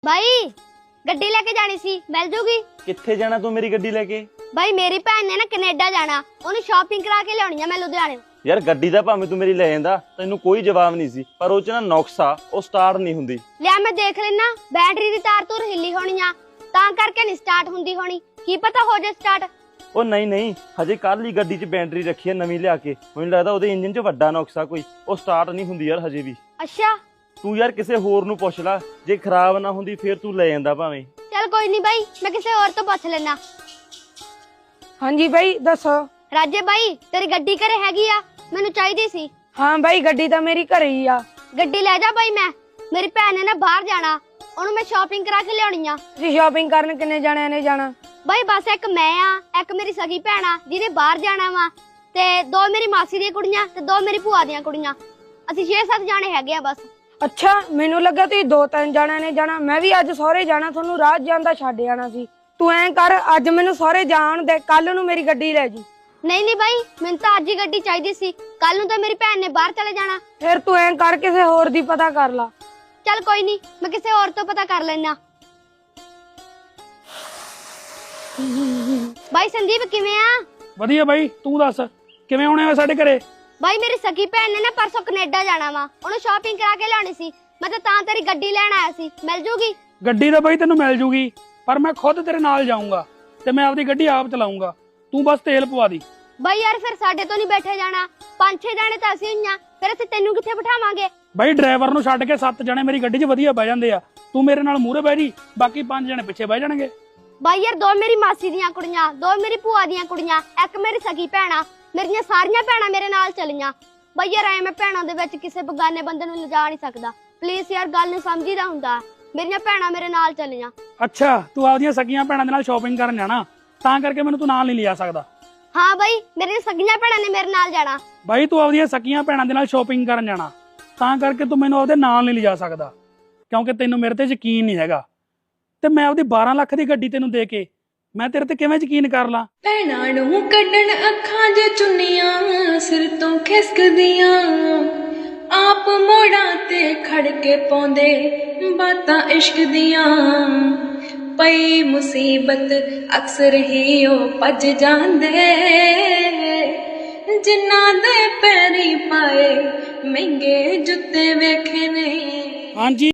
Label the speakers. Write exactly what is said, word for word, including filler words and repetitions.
Speaker 1: भाई गड्डी लेके जानी सी मिल जूगी।
Speaker 2: कित्थे जाना तू मेरी गड्डी लेके?
Speaker 1: भाई मेरी भैन ने ना कनेडा जाना, ओनू शॉपिंग करा के लियानी है मैं लुधियाने।
Speaker 2: यार गड्डी दा भाਵੇਂ तू मेरी ले जांदा तैनू कोई जवाब नहीं सी, पर ਉਹ ਚ ਨਾ ਨੁਕਸ ਆ, ਉਹ ਸਟਾਰਟ ਨਹੀਂ ਹੁੰਦੀ।
Speaker 1: ਲਿਆ ਮੈਂ ਦੇਖ ਲੈਣਾ, ਬੈਟਰੀ ਦੀ ਤਾਰ ਤੂਰ ਹਿੱਲੀ ਹੋਣੀ ਆ ਤਾਂ ਕਰਕੇ ਨਹੀਂ ਸਟਾਰਟ ਹੁੰਦੀ ਹੋਣੀ, ਕੀ ਪਤਾ ਹੋ ਜੇ ਸਟਾਰਟ।
Speaker 2: ਉਹ ਨਹੀਂ ਨਹੀਂ, ਹਜੇ ਕੱਲ ਹੀ ਗੱਡੀ 'ਚ ਬੈਟਰੀ ਰੱਖੀ ਹੈ ਨਵੀਂ ਲਿਆ ਕੇ, ਮੈਨੂੰ ਲੱਗਦਾ ਉਹਦੇ ਇੰਜਨ 'ਚ ਵੱਡਾ ਨੁਕਸ ਆ ਕੋਈ, ਉਹ ਸਟਾਰਟ ਨਹੀਂ ਹੁੰਦੀ ਯਾਰ ਹਜੇ ਵੀ।
Speaker 1: ਅੱਛਾ
Speaker 2: ਤੂੰ ਯਾਰ ਕਿਸੇ ਹੋਰ ਨੂੰ ਪੁੱਛ ਲੈ, ਜੇ ਖਰਾਬ ਨਾ ਹੁੰਦੀ ਫੇਰ ਤੂੰ ਲੈ ਜਾਂਦਾ ਭਾਵੇਂ।
Speaker 1: ਚੱਲ ਕੋਈ ਨਹੀਂ ਬਾਈ, ਮੈਂ ਕਿਸੇ ਹੋਰ ਤੋਂ ਪੁੱਛ ਲੈਣਾ।
Speaker 3: ਹਾਂਜੀ ਬਾਈ ਦੱਸੋ।
Speaker 1: ਰਾਜੇ ਬਾਈ ਤੇਰੀ ਗੱਡੀ ਘਰੇ ਹੈਗੀ ਆ? ਮੈਨੂੰ ਚਾਹੀਦੀ ਸੀ।
Speaker 3: ਹਾਂ ਬਾਈ ਗੱਡੀ ਤਾਂ ਮੇਰੀ ਘਰੇ ਹੀ ਆ।
Speaker 1: ਗੱਡੀ ਲੈ ਜਾ ਬਾਈ, ਮੈਂ ਮੇਰੀ ਭੈਣ ਨੇ ਨਾ ਬਾਹਰ ਜਾਣਾ, ਉਹਨੂੰ ਮੈਂ ਸ਼ਾਪਿੰਗ ਕਰਾ ਕੇ ਲਿਆਉਣੀ ਆ।
Speaker 3: ਤੁਸੀਂ ਸ਼ਾਪਿੰਗ ਕਰਨ ਕਿੰਨੇ ਜਾਣਿਆਂ ਨੇ ਜਾਣਾ?
Speaker 1: ਬਾਈ ਬਸ ਇੱਕ ਮੈਂ ਆ, ਇੱਕ ਮੇਰੀ ਸਗੀ ਭੈਣ ਆ ਜਿਹਨੇ ਬਾਹਰ ਜਾਣਾ ਵਾ, ਤੇ ਦੋ ਮੇਰੀ ਮਾਸੀ ਦੀਆਂ ਕੁੜੀਆਂ ਤੇ ਦੋ ਮੇਰੀ ਭੂਆ ਦੀਆਂ ਕੁੜੀਆਂ, ਅਸੀਂ ਛੇ ਸੱਤ ਜਾਣੇ ਹੈਗੇ ਆ ਬਸ।
Speaker 3: ਅੱਛਾ ਮੈਨੂੰ ਲੱਗਾ ਤੁਸੀਂ ਦੋ ਤਿੰਨ ਜਾਣਿਆਂ ਨੇ ਜਾਣਾ, ਮੈਂ ਵੀ ਅੱਜ ਸਹੁਰੇ ਜਾਣਾ, ਤੁਹਾਨੂੰ ਰਾਤ ਜਾਂਦਾ ਛੱਡ ਜਾਣਾ ਸੀ। ਤੂੰ ਐਂ ਕਰ ਅੱਜ ਮੈਨੂੰ ਸਹੁਰੇ ਜਾਣ ਦੇ, ਕੱਲ ਨੂੰ ਮੇਰੀ ਗੱਡੀ ਲੈ ਜੀ।
Speaker 1: ਨਹੀਂ ਨਹੀਂ ਬਾਈ ਮੈਨੂੰ ਤਾਂ ਅੱਜ ਹੀ ਗੱਡੀ ਚਾਹੀਦੀ ਸੀ, ਕੱਲ ਨੂੰ ਤਾਂ ਮੇਰੀ ਭੈਣ ਨੇ ਬਾਹਰ ਚਲੇ ਜਾਣਾ।
Speaker 3: ਫਿਰ ਤੂੰ ਐਂ ਕਰ ਕਿਸੇ ਹੋਰ ਦੀ ਪਤਾ ਕਰ ਲਾ।
Speaker 1: ਚੱਲ ਕੋਈ ਨਹੀਂ, ਮੈਂ ਕਿਸੇ ਹੋਰ ਤੋਂ ਪਤਾ ਕਰ ਲੈਣਾ। ਬਾਈ ਸੰਦੀਪ ਕਿਵੇਂ ਆ?
Speaker 4: ਵਧੀਆ ਬਾਈ, ਤੂੰ ਦੱਸ ਕਿਵੇਂ ਆਉਣੇ ਹੋ ਸਾਡੇ ਘਰੇ?
Speaker 1: ਬਾਈ ਮੇਰੀ ਸਕੀ ਭੈਣ ਨੇ ਨਾ ਪਰਸੋਂ ਕੈਨੇਡਾ ਜਾਣਾ ਵਾ, ਉਹਨੂੰ ਸ਼ਾਪਿੰਗ ਕਰਾ ਕੇ ਲਿਆਉਣੀ ਸੀ, ਮੈਂ ਤਾਂ ਤਾਂ ਤੇਰੀ ਗੱਡੀ ਲੈਣ ਆਇਆ ਸੀ, ਮਿਲ ਜੂਗੀ?
Speaker 4: ਗੱਡੀ ਤਾਂ ਬਾਈ ਤੈਨੂੰ ਮਿਲ ਜੂਗੀ, ਪਰ ਮੈਂ ਖੁਦ ਤੇਰੇ ਨਾਲ ਜਾਊਂਗਾ ਤੇ ਮੈਂ ਆਪਦੀ ਗੱਡੀ ਆਪ ਚਲਾਊਂਗਾ, ਤੂੰ ਬਸ ਤੇਲ ਪਵਾ ਦੀ।
Speaker 1: ਬਾਈ ਯਾਰ ਫਿਰ ਸਾਡੇ ਤੋਂ ਨਹੀਂ ਬੈਠੇ ਜਾਣਾ, ਪੰਜ ਛੇ ਜਾਣੇ ਤਾਂ ਅਸੀਂ ਹੋਈਆਂ, ਫਿਰ ਅਸੀਂ ਤੈਨੂੰ ਕਿੱਥੇ ਬਿਠਾਵਾਂਗੇ?
Speaker 4: ਬਾਈ ਡਰਾਈਵਰ ਨੂੰ ਛੱਡ ਕੇ ਸੱਤ ਜਣੇ ਮੇਰੀ ਗੱਡੀ 'ਚ ਵਧੀਆ ਬਹਿ ਜਾਂਦੇ ਆ, ਤੂੰ ਮੇਰੇ ਨਾਲ ਮੂਹਰੇ ਬਹਿ ਜੀ, ਬਾਕੀ ਪੰਜ ਜਣੇ ਪਿੱਛੇ ਬਹਿ ਜਾਣਗੇ।
Speaker 1: ਬਾਈ ਯਾਰ ਦੋ ਮੇਰੀ ਮਾਸੀ ਦੀਆਂ ਕੁੜੀਆਂ, ਦੋ ਮੇਰੀ ਭੂਆ ਦੀਆਂ ਕੁੜੀਆਂ, ਇੱਕ ਮੇਰੀ ਸਗੀ ਭੈਣ ਆ, ਮੇਰੀਆਂ ਸਾਰੀਆਂ ਭੈਣਾਂ ਮੇਰੇ ਨਾਲ ਚਲੀਆਂ। ਬਾਈ ਯਾਰ ਐ ਮੈਂ ਭੈਣਾਂ ਦੇ ਵਿੱਚ ਕਿਸੇ ਬਗਾਨੇ ਬੰਦੇ ਨੂੰ ਲਿਜਾ ਨਹੀਂ ਸਕਦਾ, ਪਲੀਜ਼ ਯਾਰ ਗੱਲ ਨੂੰ ਸਮਝੀਦਾ ਹੁੰਦਾ, ਮੇਰੀਆਂ ਭੈਣਾਂ ਮੇਰੇ ਨਾਲ ਚਲੀਆਂ।
Speaker 4: ਅੱਛਾ ਤੂੰ ਆਪਦੀਆਂ ਸਕੀਆਂ ਭੈਣਾਂ ਦੇ ਨਾਲ ਸ਼ਾਪਿੰਗ ਕਰਨ ਜਾਣਾ, ਤਾਂ ਕਰਕੇ ਮੈਨੂੰ ਤੂੰ ਨਾਲ ਨਹੀਂ ਲਿਜਾ ਸਕਦਾ?
Speaker 1: ਹਾਂ ਬਾਈ ਮੇਰੀਆਂ ਸਗੀਆਂ ਭੈਣਾਂ ਨੇ ਮੇਰੇ ਨਾਲ ਜਾਣਾ।
Speaker 4: ਬਾਈ ਤੂੰ ਆਪਦੀਆਂ ਸਕੀਆਂ ਭੈਣਾਂ ਦੇ ਨਾਲ ਸ਼ਾਪਿੰਗ ਕਰਨ ਜਾਣਾ, ਤਾਂ ਕਰਕੇ ਤੂੰ ਮੈਨੂੰ ਆਪਦੇ ਨਾਲ ਨਹੀਂ ਲਿਜਾ ਸਕਦਾ, ਕਿਉਂਕਿ ਤੈਨੂੰ ਮੇਰੇ ਤੇ ਯਕੀਨ ਨਹੀਂ ਹੈਗਾ, ਤੇ ਮੈਂ ਆਪਦੀ ਬਾਰਾਂ ਲੱਖ ਦੀ ਗੱਡੀ ਤੈਨੂੰ ਦੇ ਕੇ ਮੈਂ ਤੇਰੇ ਤੇ ਕਿਵੇਂ ਯਕੀਨ ਕਰ ਲਾਂ?
Speaker 5: ਭੈਣਾਂ ਨੂੰ ਕੱਢਣ ਅੱਖਾਂ 'ਚ ਚੁੰਨੀਆਂ, ਸਿਰ ਤੋਂ ਖਿਸਕਦੀਆਂ, ਆਪ ਮੋੜਾਂ ਤੇ ਖੜ ਕੇ ਪਾਉਂਦੇ ਬਾਤਾਂ ਇਸ਼ਕ ਦੀਆਂ, ਪਈ ਮੁਸੀਬਤ ਅਕਸਰ ਹੀ ਉਹ ਭੱਜ ਜਾਂਦੇ, ਜਿਨ੍ਹਾਂ ਦੇ ਪੈਰੀ ਪਾਏ ਮਹਿੰਗੇ ਜੁੱਤੇ ਵੇਖੇ ਨੇ।
Speaker 4: ਹਾਂਜੀ